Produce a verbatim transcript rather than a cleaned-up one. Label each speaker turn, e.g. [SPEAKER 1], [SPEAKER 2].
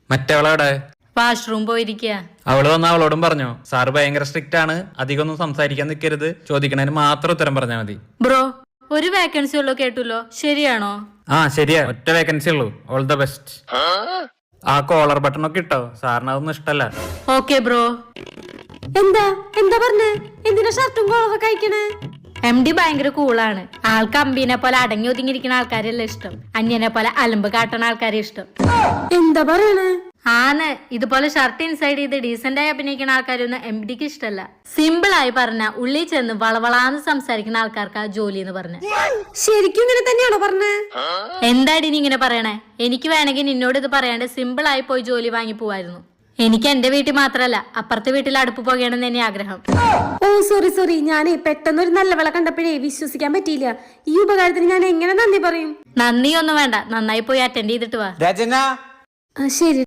[SPEAKER 1] മറ്റവളവിടെ
[SPEAKER 2] washroom പോയിരിക്കുക.
[SPEAKER 1] അവള് വന്ന അവളോടും പറഞ്ഞോ സാറ് ഭയങ്കര സ്ട്രിക്റ്റ് ആണ്, അധികം ഒന്നും സംസാരിക്കാൻ നിൽക്കരുത്, ചോദിക്കണതിന് മാത്രം ഉത്തരം പറഞ്ഞാൽ മതി.
[SPEAKER 2] ബ്രോ ഒരു വേക്കൻസി ഉള്ളൂ കേട്ടല്ലോ, ശരിയാണോ?
[SPEAKER 1] ആ ശരിയാ, ഒറ്റ വേക്കൻസി ഉള്ളൂ. All the best. ആ കോളർ ബട്ടൺ ഒക്കെ ഇട്ടോ, സാറിന് അതൊന്നും ഇഷ്ടല്ല.
[SPEAKER 2] Okay bro.
[SPEAKER 3] എന്താ എന്താ പറഞ്ഞേ? എന്തിനാ ഷർട്ടും കോളൊക്കെ കഴിക്കണേ?
[SPEAKER 2] എം ഡി ഭയങ്കര കൂളാണ്. ആൾക്ക് അമ്പീനെ പോലെ അടങ്ങി ഒതുങ്ങിയിരിക്കുന്ന ആൾക്കാരല്ല ഇഷ്ടം, അന്യനെ പോലെ അലമ്പ് കാട്ടണ ആൾക്കാരെ ഇഷ്ടം.
[SPEAKER 3] എന്താ പറയണേ?
[SPEAKER 2] ആന്ന് ഇതുപോലെ ഷർട്ട് ഇൻസൈഡ് ചെയ്ത് ഡീസന്റ് ആയി അഭിനയിക്കുന്ന ആൾക്കാരൊന്നും എം ഡിക്ക് ഇഷ്ടമല്ല. സിമ്പിൾ ആയി പറഞ്ഞ ഉള്ളിൽ ചെന്ന് വളവളാന്ന് സംസാരിക്കുന്ന ആൾക്കാർക്ക് ആ ജോലി എന്ന് പറഞ്ഞ.
[SPEAKER 3] ശരിക്കും ഇങ്ങനെ തന്നെയാണോ പറഞ്ഞേ?
[SPEAKER 2] എന്താടി നീ ഇങ്ങനെ പറയണേ? എനിക്ക് വേണമെങ്കിൽ നിന്നോട് ഇത് പറയാണ്ട് സിമ്പിൾ ആയി പോയി ജോലി വാങ്ങി പോവായിരുന്നു. എനിക്ക് എന്റെ വീട്ടിൽ മാത്രല്ല അപ്പുറത്തെ വീട്ടിൽ അടുപ്പ് പോകണമെന്ന് തന്നെ ആഗ്രഹം.
[SPEAKER 3] ഓ സോറി സോറി, ഞാനേ പെട്ടെന്ന് ഒരു നല്ല വിള കണ്ടപ്പോഴേ വിശ്വസിക്കാൻ പറ്റിയില്ല. ഈ ഉപകാരത്തിന് ഞാൻ എങ്ങനെ നന്ദി പറയും?
[SPEAKER 2] നന്ദിയൊന്നും വേണ്ട, നന്നായി പോയി അറ്റൻഡ് ചെയ്തിട്ട് വാ.
[SPEAKER 3] ശരി.